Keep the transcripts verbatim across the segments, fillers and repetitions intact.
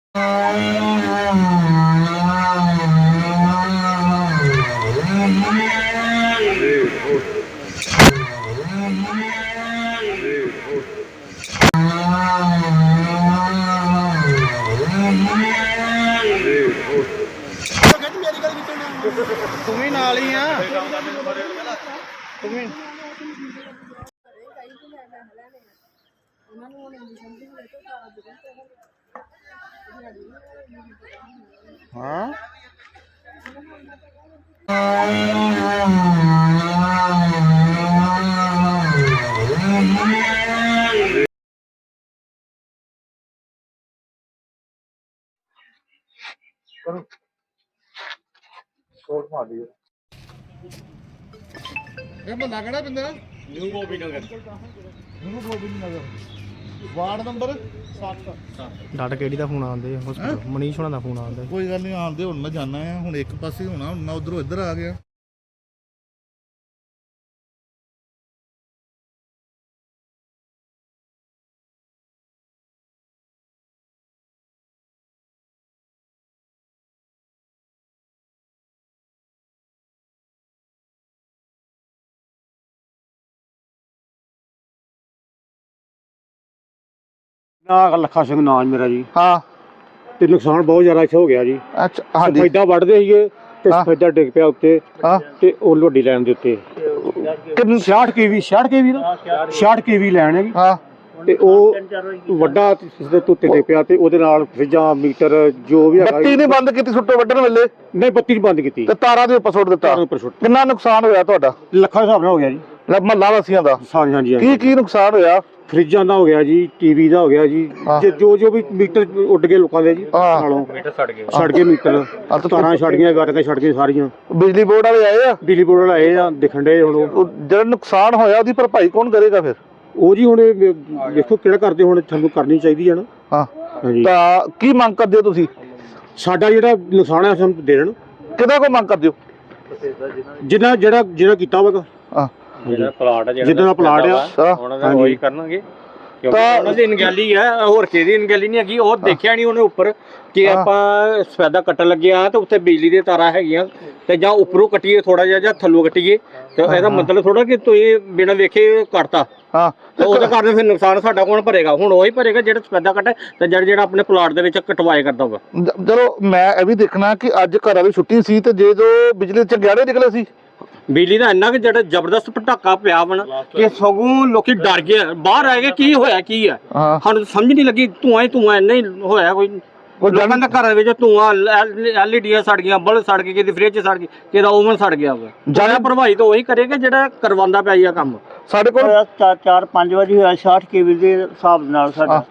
तुम्हें नाल ही आ तुम्हें हाँ ਮਹੱਲਾ ਕਿਹੜਾ ਪਿੰਡ new Gobind Nagar new Gobind Nagar ward number ਸੱਤ। ਡਾਟਾ ਕਿਹੜੀ ਦਾ ਫੋਨ ਆਉਂਦੇ ਹਸਪੀਟਲ ਮਨੀਸ਼ ਹੋਣਾ ਦਾ ਫੋਨ ਆਉਂਦਾ। ਕੋਈ ਗੱਲ ਨਹੀਂ ਆਉਂਦੇ ਹੁਣ ਮੈਂ ਜਾਣਾ ਆ ਹੁਣ ਇੱਕ ਪਾਸੇ ਹੋਣਾ ਹੁਣ ਮੈਂ ਉਧਰੋਂ ਇੱਧਰ ਆ ਗਿਆ। ਲੱਖਾ ਸਿੰਘ ਨਾਮ ਮੇਰਾ ਜੀ। ਹਾਂ ਤੇ ਨੁਕਸਾਨ ਬਹੁਤ ਜ਼ਿਆਦਾ ਇੱਥੇ ਹੋ ਗਿਆ ਜੀ। ਅੱਛਾ ਹਾਂਜੀ ਸਫੈਦਾ ਵੱਢਦੇ ਸੀਗੇ ਤੇ ਸਫੈਦਾ ਡਿੱਗ ਪਿਆ ਉੱਤੇ ਤੇ ਉਹ ਵੱਡੀ ਲਾਈਨ ਦੇ ਉੱਤੇ ਛਿਆਹਠ ਕੇਵੀ ਛਿਆਹਠ ਕੇਵੀ ਦਾ ਛਿਆਹਠ ਕੇਵੀ ਲਾਈਨ ਹੈ ਜੀ। ਹਾਂ ਤੇ ਉਹ ਵੱਡਾ ਸਿੱਧੇ ਉੱਤੇ ਡਿੱਗ ਪਿਆ ਤੇ ਉਹਦੇ ਨਾਲ ਫਰਿੱਜਾਂ ਮੀਟਰ ਜੋ ਵੀ ਹੈਗਾ। ਬੱਤੀ ਨਹੀਂ ਬੰਦ ਕੀਤੀ ਸੁੱਟੋ ਵੱਢਣ ਵੇਲੇ? ਨਹੀਂ ਬੱਤੀ ਨਹੀਂ ਬੰਦ ਕੀਤੀ ਤੇ ਤਾਰਾਂ ਦੇ ਉੱਪਰ ਸੁੱਟ ਦਿੱਤਾ। ਕਿੰਨਾ ਨੁਕਸਾਨ ਹੋਇਆ ਤੁਹਾਡਾ? ਲੱਖਾਂ ਹਿਸਾਬ ਨਾਲ ਹੋ ਗਿਆ ਜੀ। ਮਹੱਲਾ ਵਾਸੀਆਂ ਦਾ? ਹਾਂਜੀ ਹਾਂਜੀ। ਕੀ ਕੀ ਨੁਕਸਾਨ ਹੋਇਆ? ਫਰਿੱਜਾਂ ਦਾ ਹੋ ਗਿਆ ਜੀ, ਟੀਵੀ ਦਾ ਹੋ ਗਿਆ ਜੀ, ਜੋ ਜੋ ਵੀ ਮੀਟਰ ਉੱਡ ਗਏ ਲੋਕਾਂ ਦੇ ਜੀ ਨਾਲੋਂ ਮੀਟਰ ਸੜ ਗਏ ਸੜ ਗਏ ਮੀਟਰ ਤਾਰਾਂ ਛੜ ਗਈਆਂ ਗੱਟਕਾਂ ਛੜ ਗਈਆਂ ਸਾਰੀਆਂ। ਬਿਜਲੀ ਬੋਰਡ ਵਾਲੇ ਆਏ ਆ? ਬਿਜਲੀ ਬੋਰਡ ਵਾਲੇ ਆਏ ਆ ਦਿਖਣ ਦੇ। ਹੁਣ ਜਿਹੜਾ ਨੁਕਸਾਨ ਹੋਇਆ ਉਹਦੀ ਭਰਪਾਈ ਕੌਣ ਕਰੇਗਾ ਫਿਰ? ਉਹ ਜੀ ਹੁਣ ਵੇਖੋ ਕਿਹੜਾ ਕਰਦੇ ਹੁਣ ਤੁਹਾਨੂੰ ਕਰਨੀ ਚਾਹੀਦੀ ਹੈ ਨਾ। ਹਾਂ ਹਾਂਜੀ। ਤਾਂ ਕੀ ਮੰਗ ਕਰਦੇ ਹੋ ਤੁਸੀਂ? ਸਾਡਾ ਜਿਹੜਾ ਨੁਕਸਾਨ ਹੈ ਸਾਨੂੰ ਦੇ ਦੇਣ। ਕਿਹਦਾ ਕੋਈ ਮੰਗ ਕਰਦੇ ਹੋ? ਜਿੰਨਾ ਜਿਹੜਾ ਜਿਹੜਾ ਕੀਤਾ ਹੋਵੇਗਾ ਹਾਂ ਜਿਹੜਾ ਪਲਾਟ ਹੈ ਜਿੱਦਾਂ ਦਾ ਪਲਾਟ ਆ ਉਹਨਾਂ ਦਾ ਉਹੀ ਕਰਨਗੇ ਕਿਉਂਕਿ ਉਹਨਾਂ ਦੀ ਅਣਗਹਿਲੀ ਹੈ ਹੋਰ ਕਿਸੇ ਦੀ ਅਣਗਹਿਲੀ ਨਹੀਂ ਹੈਗੀ। ਉਹ ਦੇਖਿਆ ਨਹੀਂ ਉਹਨੇ ਉੱਪਰ ਕਿ ਆਪਾਂ ਸਫੈਦਾ ਕੱਟਣ ਲੱਗਿਆ ਤੇ ਉੱਤੇ ਬਿਜਲੀ ਦੀਆਂ ਤਾਰਾਂ ਹੈਗੀਆਂ ਤੇ ਜਾਂ ਉੱਪਰੋਂ ਕੱਟੀਏ ਥੋੜਾ ਜਿਹਾ ਜਾਂ ਥੱਲੋਂ ਕੱਟੀਏ ਤੇ ਇਹਦਾ ਮਤਲਬ ਥੋੜਾ ਕਿ ਤੁਸੀਂ ਬਿਨਾਂ ਵੇਖੇ ਕੱਟਤਾ। ਹਾਂ ਤੇ ਉਹਦੇ ਕਾਰਨ ਫਿਰ ਨੁਕਸਾਨ ਸਾਡਾ ਕੌਣ ਭਰੇਗਾ? ਹੁਣ ਉਹੀ ਭਰੇਗਾ ਜਿਹੜਾ ਸਫੈਦਾ ਕੱਟੇ ਤੇ ਜਿਹੜਾ ਜਿਹੜਾ ਆਪਣੇ ਪਲਾਟ ਦੇ ਵਿੱਚ ਕਟਵਾਏ ਕਰਦਾ ਹੋਗਾ। ਚਲੋ ਮੈਂ ਇਹ ਵੀ ਦੇਖਣਾ ਕਿ ਅੱਜ ਘਰਾਂ ਦੀ ਛੁੱਟੀ ਸੀ ਤੇ ਜੇ ਜੋ ਬਿਜਲੀ ਚ ਗਹਿਣੇ ਨਿਕਲੇ ਸੀ ਬਿਜਲੀ ਦਾ ਇੰਨਾ ਕਿ ਜਿਹੜਾ ਜ਼ਬਰਦਸਤ ਪਟਾਕਾ ਪਿਆ ਬਣ ਕਿ ਸਗੋਂ ਲੋਕੀ ਡਰ ਗਏ ਬਾਹਰ ਆ ਗਏ ਕੀ ਹੋਇਆ ਕੀ ਹੈ ਸਾਨੂੰ ਸਮਝ ਨਹੀਂ ਲੱਗੀ। ਧੂਆਂ ਹੀ ਧੂਆਂ ਇੰਨਾ ਹੀ ਹੋਇਆ ਕੋਈ ਲੋਕਾਂ ਦੇ ਘਰਾਂ ਵਿੱਚ ਧੂਆਂ ਐਲ ਈ ਡੀਆਂ ਸੜ ਗਈਆਂ ਬਲਬ ਸੜ ਗਏ ਕਿਤੇ ਫ੍ਰਿਜ ਸੜ ਗਈ ਕਿਤੇ ਓਵਨ ਸੜ ਗਿਆ ਵਾ। ਜ਼ਿਆਦਾ ਪ੍ਰਭਾਵਿਤ ਉਹੀ ਕਰੇਗਾ ਜਿਹੜਾ ਕਰਵਾਉਂਦਾ ਪਿਆ ਇਹ ਕੰਮ। ਸਾਡੇ ਕੋਲ ਚਾਰ ਪੰਜ ਵਜੇ ਹੋਇਆ ਛਿਆਹਠ ਕੇਵੀ ਦੇ ਹਿਸਾਬ ਨਾਲ ਸਾਡਾ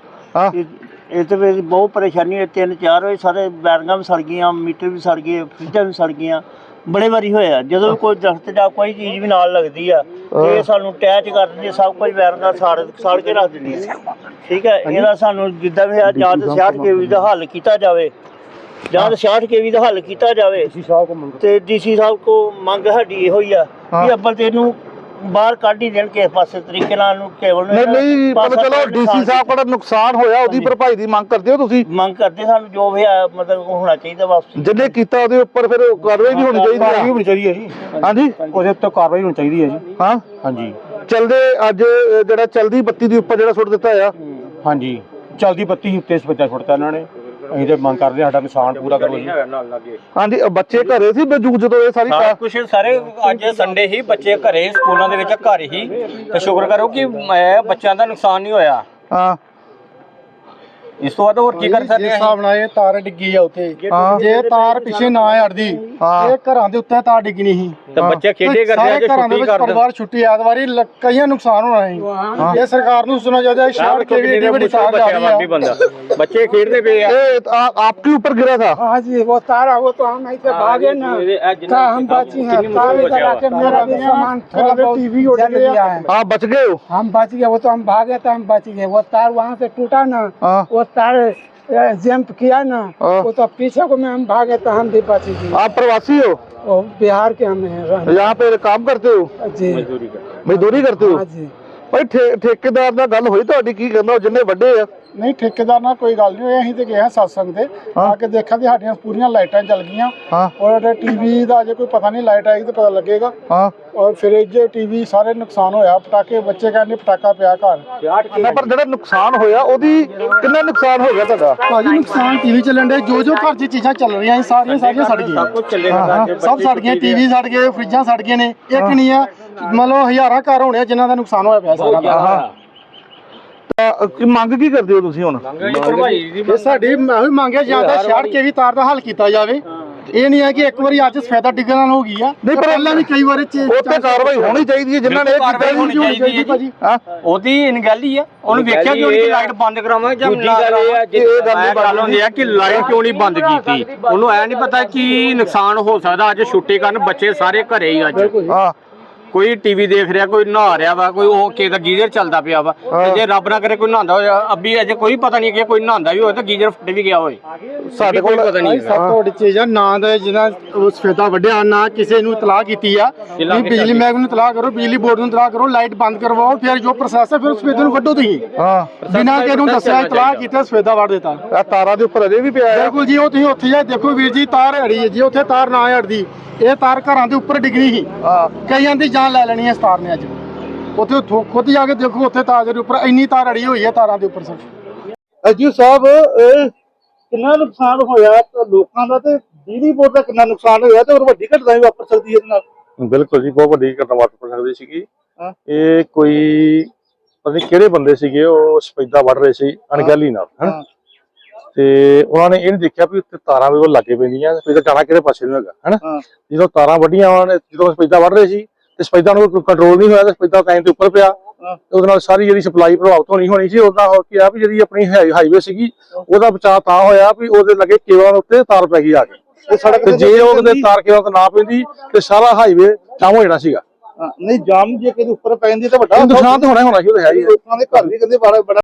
ਇਹਦੇ ਵਿੱਚ ਬਹੁਤ ਪਰੇਸ਼ਾਨੀ ਹੋਈ। ਤਿੰਨ ਚਾਰ ਵਜੇ ਸਾਰੇ ਬੈਰਿੰਗਾਂ ਵੀ ਸੜ ਗਈਆਂ ਮੀਟਰ ਵੀ ਸੜ ਗਏ ਫ੍ਰਿਜਾਂ ਵੀ ਸੜ ਗਈਆਂ। ਬੜੇ ਵਾਰੀ ਹੋਇਆ ਜਦੋਂ ਵੀ ਕੋਈ ਦਰਖਤ ਜਾਂ ਕੋਈ ਚੀਜ਼ ਵੀ ਨਾਲ ਲੱਗਦੀ ਆ ਇਹ ਸਾਨੂੰ ਅਟੈਚ ਕਰ ਦਿੰਦੀ ਸਭ ਕੁਝ ਬੈਰਿੰਗਾਂ ਸਾੜ ਸਾੜ ਕੇ ਰੱਖ ਦਿੰਦੀਆਂ। ਠੀਕ ਹੈ ਇਹਦਾ ਸਾਨੂੰ ਜਿੱਦਾਂ ਵੀ ਆ ਜਾਂ ਤਾਂ ਛਿਆਹਠ ਕੇਵੀ ਦਾ ਹੱਲ ਕੀਤਾ ਜਾਵੇ ਜਾਂ ਤਾਂ ਛਿਆਹਠ ਕੇਵੀ ਦਾ ਹੱਲ ਕੀਤਾ ਜਾਵੇ ਤੇ ਡੀਸੀ ਸਾਹਿਬ ਕੋ ਮੰਗ ਸਾਡੀ ਇਹੋ ਹੀ ਆ ਵੀ ਅੱਬਲ ਤੇ ਇਹਨੂੰ ਬਾਹਰ ਕੱਢ ਹੀ ਦੇਣ ਕਿਸੇ ਪਾਸੇ ਤਰੀਕੇ ਨਾਲ ਨੂੰ ਕੇਵਲ ਨਹੀਂ ਨਹੀਂ ਪਰ ਚਲੋ ਡੀਸੀ ਸਾਹਿਬ ਕੋਲ ਨੁਕਸਾਨ ਹੋਇਆ ਉਹਦੀ ਭਰਪਾਈ ਦੀ ਮੰਗ ਕਰਦੇ ਹੋ ਤੁਸੀਂ? ਮੰਗ ਕਰਦੇ ਸਾਨੂੰ ਜੋ ਵੀ ਮਤਲਬ ਹੋਣਾ ਚਾਹੀਦਾ ਵਾਪਸ ਜਿਹਨੇ ਕੀਤਾ ਉਹਦੇ ਉੱਪਰ ਫਿਰ ਕਾਰਵਾਈ ਵੀ ਹੋਣੀ ਚਾਹੀਦੀ ਹੈ। ਹੋਣੀ ਚਾਹੀਦੀ ਹੈ ਜੀ। ਹਾਂਜੀ ਉਹਦੇ ਉੱਤੇ ਕਾਰਵਾਈ ਹੋਣੀ ਚਾਹੀਦੀ ਹੈ ਜੀ। ਹਾਂ ਹਾਂਜੀ ਚਲਦੇ ਅੱਜ ਜਿਹੜਾ ਚਲਦੀ ਬੱਤੀ ਦੇ ਉੱਪਰ ਜਿਹੜਾ ਸੁੱਟ ਦਿੱਤਾ ਆ। ਹਾਂਜੀ ਚਲਦੀ ਬੱਤੀ ਉੱਤੇ ਸਪੈਦਾ ਸੁੱਟਤਾ ਇਹਨਾਂ ਨੇ। ਅਸੀਂ ਤੇ ਮੰਗ ਕਰਦੇ ਸਾਡਾ ਨੁਕਸਾਨ ਪੂਰਾ ਕਰੋ ਜੀ। ਹਾਂਜੀ ਬੱਚੇ ਘਰੇ ਸੀ ਬਜੂਗ ਜਦੋਂ ਇਹ ਸਾਰੀ ਕੁਛ ਸਾਰੇ ਅੱਜ ਸੰਡੇ ਹੀ ਬੱਚੇ ਘਰੇ ਸਕੂਲਾਂ ਦੇ ਵਿੱਚ ਘਰ ਹੀ ਤੇ ਸ਼ੁਕਰ ਕਰੋ ਕਿ ਬੱਚਿਆਂ ਦਾ ਨੁਕਸਾਨ ਨਹੀਂ ਹੋਇਆ। ਹਾਂ ਇਸ ਤੋਂ ਬਾਅਦ ਹੋਰ ਕੀ ਕਰ ਸਕਦੇ ਆ? ਹਿਸਾਬ ਨਾਲ ਇਹ ਤਾਰ ਡਿੱਗੀ ਆ ਉੱਥੇ ਜੇ ਤਾਰ ਪਿੱਛੇ ਨਾ ਅੜਦੀ ਇਹ ਘਰਾਂ ਦੇ ਉੱਤੇ ਤਾਰ ਡਿੱਗਣੀ ਸੀ ਤੇ ਬੱਚੇ ਖੇਡੇ ਕਰਦੇ ਆ ਜੇ ਛੁੱਟੀ ਕਰਦੇ ਪਰਿਵਾਰ ਛੁੱਟੀ ਐਤਵਾਰੀ ਕਈਆਂ ਨੁਕਸਾਨ ਹੋਣਾ ਸੀ। ਇਹ ਸਰਕਾਰ ਨੂੰ ਸੁਣਾ ਚਾਹੀਦਾ ਸ਼ਹਿਰ ਕੇ ਵੀ ਏਡੀ ਵੱਡੀ ਤਾਰ ਜਾ ਰਹੀ है बच्चे खेलते पे आपके ऊपर गिरा था? हाँ जी वो तार वो तो हम ऐसे भागे ना हम बची हैं तार इधर आके मेरा भी सामान थोड़ा बहुत टीवी उड़ गया है। आप बच गए हो? हम बच गए वो तो हम भागे तो हम बच गए। वो तार वहाँ से टूटा ना वो तार जंप किया ना वो तो पीछे को में हम भागे तो हम भी बच गए। आप प्रवासी हो? बिहार के हम हैं। यहाँ पे काम करते हो? जी मजदूरी करते हो? हाँ जी। भाई ठेकेदार ਨਾਲ ਗੱਲ ਹੋਈ ਤੁਹਾਡੀ ਕੀ ਕਹਿੰਦਾ ਜਿੰਨੇ ਵੱਡੇ ਆ? ਨਹੀਂ ਠੇਕੇਦਾਰ ਨਾਲ ਕੋਈ ਗੱਲ ਨਹੀਂ ਹੋਈ, ਅਸੀਂ ਤੇ ਗਏ ਹਾਂ ਸਤਸੰਗ ਤੇ ਆ ਕੇ ਦੇਖਿਆ ਕਿ ਸਾਡੀਆਂ ਪੂਰੀਆਂ ਲਾਈਟਾਂ ਜਲ ਗਈਆਂ ਔਰ ਟੀਵੀ ਦਾ ਅਜੇ ਕੋਈ ਪਤਾ ਨਹੀਂ, ਲਾਈਟ ਆਏਗੀ ਤੇ ਪਤਾ ਲੱਗੇਗਾ। ਔਰ ਫ੍ਰਿਜ ਟੀਵੀ ਸਾਰੇ ਨੁਕਸਾਨ ਹੋਇਆ, ਪਟਾਕੇ ਬੱਚੇ ਕਹਿੰਦੇ ਪਟਾਕਾ ਪਿਆ ਘਰ। ਪਰ ਜਿਹੜਾ ਨੁਕਸਾਨ ਹੋਇਆ ਉਹਦੀ ਕਿੰਨਾ ਨੁਕਸਾਨ ਹੋ ਗਿਆ ਤੁਹਾਡਾ? ਭਾਜੀ ਨੁਕਸਾਨ ਟੀਵੀ ਚੱਲਣ ਦੇ, ਜੋ ਜੋ ਘਰ 'ਚ ਚੀਜ਼ਾਂ ਚੱਲ ਰਹੀਆਂ ਸੀ ਸਾਰੀਆਂ ਸਾਰੀਆਂ ਸੜ ਗਈਆਂ, ਸਭ ਸੜ ਗਈਆਂ। ਟੀਵੀ ਸੜ ਗਏ, ਫ੍ਰਿਜਾਂ ਸੜ ਗਏ ਨੇ, ਇੱਕ ਨਹੀਂ ਆ ਮਤਲਬ ਹਜ਼ਾਰਾਂ ਘਰ ਹੋਣੇ ਜਿਨ੍ਹਾਂ ਦਾ ਨੁਕਸਾਨ ਹੋਇਆ ਪਿਆ ਸਾਰਾ ਦਾ। ਕੀ ਮੰਗ ਕੀ ਕਰਦੇ ਹੋ ਤੁਸੀਂ ਹੁਣ? ਇਹ ਸਾਡੀ ਮੈਂ ਵੀ ਮੰਗਿਆ ਜਾਂਦਾ ਛੱਡ ਕੇ ਵੀ ਤਾਰ ਦਾ ਹੱਲ ਕੀਤਾ ਜਾਵੇ। ਇਹ ਨਹੀਂ ਹੈ ਕਿ ਇੱਕ ਵਾਰੀ ਅੱਜ ਸਫੈਦਾ ਡਿੱਗਣ ਨਾਲ ਹੋ ਗਈ ਆ, ਨਹੀਂ ਪਰ ਪਹਿਲਾਂ ਵੀ ਕਈ ਵਾਰੀ ਉੱਤੇ ਕਾਰਵਾਈ ਹੋਣੀ ਚਾਹੀਦੀ ਹੈ ਜਿਨ੍ਹਾਂ ਨੇ ਇਹ ਕੀਤਾ। ਹੋਣੀ ਚਾਹੀਦੀ ਹੈ ਭਾਜੀ, ਉਹਦੀ ਇਨ ਗੱਲ ਹੀ ਆ। ਉਹਨੂੰ ਵੇਖਿਆ ਕਿ ਉਹਦੀ ਲਾਈਟ ਬੰਦ ਕਰਾਵਾਂ ਜਾਂ ਨਾ ਕਰਾਵਾਂ। ਇਹ ਗੱਲ ਹੁੰਦੀ ਹੈ ਕਿ ਲਾਈਟ ਕਿਉਂ ਨਹੀਂ ਬੰਦ ਕੀਤੀ, ਉਹਨੂੰ ਐ ਨਹੀਂ ਪਤਾ ਕਿ ਨੁਕਸਾਨ ਹੋ ਸਕਦਾ। ਅੱਜ ਛੁੱਟੀ ਕਰਨ ਬੱਚੇ ਸਾਰੇ ਘਰੇ ਹੀ ਅੱਜ, ਹਾਂ ਕੋਈ ਟੀਵੀ ਦੇਖ ਰਿਹਾ, ਕੋਈ ਨਹਾ ਰਿਹਾ ਵਾ, ਕੋਈ ਉਹ ਕਿਸੇ ਦਾ ਗੀਜ਼ਰ ਚੱਲਦਾ ਪਿਆ ਵਾ। ਤੇ ਜੇ ਰੱਬ ਨਾ ਕਰੇ ਕੋਈ ਨਹਾਉਂਦਾ ਹੋਇਆ ਅੱਬੀ, ਅਜੇ ਕੋਈ ਪਤਾ ਨਹੀਂ ਕਿ ਕੋਈ ਨਹਾਉਂਦਾ ਵੀ ਹੋਏ ਤਾਂ ਗੀਜ਼ਰ ਫਟ ਵੀ ਗਿਆ ਹੋਏ, ਸਾਡੇ ਕੋਲ ਪਤਾ ਨਹੀਂ। ਸਭ ਤੋਂ ਵੱਡੀ ਚੀਜ਼ ਆ ਨਾ ਦਾ ਜਿਹਨਾਂ ਸਫੈਦਾ ਵੱਢਿਆ, ਨਾ ਕਿਸੇ ਨੂੰ ਇਤਲਾਹ ਕੀਤੀ ਆ ਵੀ ਬਿਜਲੀ ਮਹਿਕਮੇ ਨੂੰ ਇਤਲਾਹ ਕਰੋ, ਬਿਜਲੀ ਬੋਰਡ ਨੂੰ ਇਤਲਾਹ ਕਰੋ, ਲਾਈਟ ਬੰਦ ਕਰਵਾਓ, ਫਿਰ ਜੋ ਪ੍ਰੋਸੈਸ ਹੈ ਫਿਰ ਸਫੈਦੇ ਨੂੰ ਵੱਢੋ ਤੁਸੀਂ। ਹਾਂ ਬਿਨਾਂ ਕਿਸੇ ਨੂੰ ਦੱਸਿਆ ਇਤਲਾਹ ਕੀਤਾ ਸਫੈਦਾ ਵੱਢ ਦਿੱਤਾ। ਇਹ ਤਾਰਾਂ ਦੇ ਉੱਪਰ ਅਜੇ ਵੀ ਪਿਆ ਹੈ। ਬਿਲਕੁਲ ਜੀ, ਉਹ ਤੁਸੀਂ ਉੱਥੇ ਜਾ ਦੇਖੋ ਵੀਰ ਜੀ, ਤਾਰ ਅੜੀ ਹੈ ਜੀ, ਉੱਥੇ ਤਾਰ ਨਾ ਅੜਦੀ, ਇਹ ਤਾਰ ਘਰਾਂ ਦੇ ਉੱਪਰ ਡਿੱਗਣੀ ਸੀ। ਕਈਆਂ ਦੀ ਜਾਨ ਲੈ ਲੈਣੀ ਹੈ ਇਸ ਤਾਰ ਨੇ ਅੱਜ। ਉੱਥੇ ਖੁਦ ਜਾ ਕੇ ਦੇਖੋ, ਉੱਥੇ ਤਾਰ ਦੇ ਉੱਪਰ ਇੰਨੀ ਤਾਰ ਅੜੀ ਹੋਈ ਹੈ ਤਾਰਾਂ ਦੇ ਉੱਪਰ। ਸਰ ਅਜੀ ਸਾਹਿਬ ਕਿੰਨਾ ਨੁਕਸਾਨ ਹੋਇਆ ਲੋਕਾਂ ਦਾ ਤੇ ਬਿਜਲੀ ਬੋਰਡ ਦਾ ਕਿੰਨਾ ਨੁਕਸਾਨ ਹੋਇਆ ਤੇ ਹੋਰ ਵੱਡੀ ਘਟਨਾ ਵੀ ਵਾਪਰ ਸਕਦੀ ਹੈ ਇਹਦੇ ਨਾਲ? ਬਿਲਕੁਲ ਜੀ, ਬਹੁਤ ਵੱਡੀ ਘਟਨਾ ਵਾਪਰ ਸਕਦੀ ਸੀਗੀ। ਇਹ ਕੋਈ ਪਤਾ ਨਹੀਂ ਕਿਹੜੇ ਬੰਦੇ ਸੀਗੇ, ਉਹ ਸਫੈਦਾ ਵੱਢ ਰਹੇ ਸੀ ਅਣਗਹਿਲੀ ਨਾਲ, ਹਨਾ, ਤੇ ਉਹਨਾਂ ਨੇ ਇਹ ਨਹੀਂ ਦੇਖਿਆ ਵੀ ਉੱਤੇ ਤਾਰਾਂ ਵੀ ਲੱਗੇ ਪੈਂਦੀਆਂ, ਸਫੈਦਾ ਜਾਣਾ ਕਿਹੜੇ ਪਾਸੇ ਨੂੰ ਹੈਗਾ, ਹਨਾ। ਜਦੋਂ ਤਾਰਾਂ ਵੱਢੀਆਂ ਉਹਨਾਂ ਨੇ, ਜਦੋਂ ਸਫੈਦਾ ਵੱਢ ਰਹੇ ਸੀ ਤੇ ਸਫੈਦਾ ਨੂੰ ਕੰਟਰੋਲ ਨਹੀਂ ਹੋਇਆ ਤੇ ਸਫੈਦਾ ਟਾਈਮ ਤੇ ਉੱਪਰ ਪਿਆ, ਉਹਦੇ ਨਾਲ ਸਾਰੀ ਜਿਹੜੀ ਸਪਲਾਈ ਪ੍ਰਭਾਵਿਤ ਹੋਣੀ ਹੋਣੀ ਸੀ। ਉਹਦਾ ਹੋ ਕੇ ਆ ਵੀ ਜਿਹੜੀ ਆਪਣੀ ਹਾਈਵੇ ਸੀਗੀ ਉਹਦਾ ਬਚਾਅ ਤਾਂ ਹੋਇਆ ਵੀ ਉਹਦੇ ਲੱਗੇ ਕੇਬਲਾਂ ਉੱਤੇ ਤਾਰ ਪੈ ਗਈ ਆ ਕੇ ਸੜਕ ਤੇ। ਜੇ ਉਹਦੇ ਤਾਰ ਕੇਬਲ ਤੇ ਨਾ ਪੈਂਦੀ ਤੇ ਸਾਰਾ ਹਾਈਵੇ ਜਾਮ ਹੋ ਜਾਣਾ ਸੀਗਾ। ਨਹੀਂ ਜਾਮ ਜੇ ਕਿਤੇ ਉੱਪਰ ਪੈ ਜਾਂਦੀ ਤਾਂ ਵੱਡਾ ਨੁਕਸਾਨ ਤਾਂ ਹੋਣਾ ਹੋਣਾ ਸੀ, ਉਹ ਹੈ ਜੀ। ਲੋਕਾਂ ਦੇ ਘਰ ਵੀ ਕਹਿੰਦੇ ਬੜਾ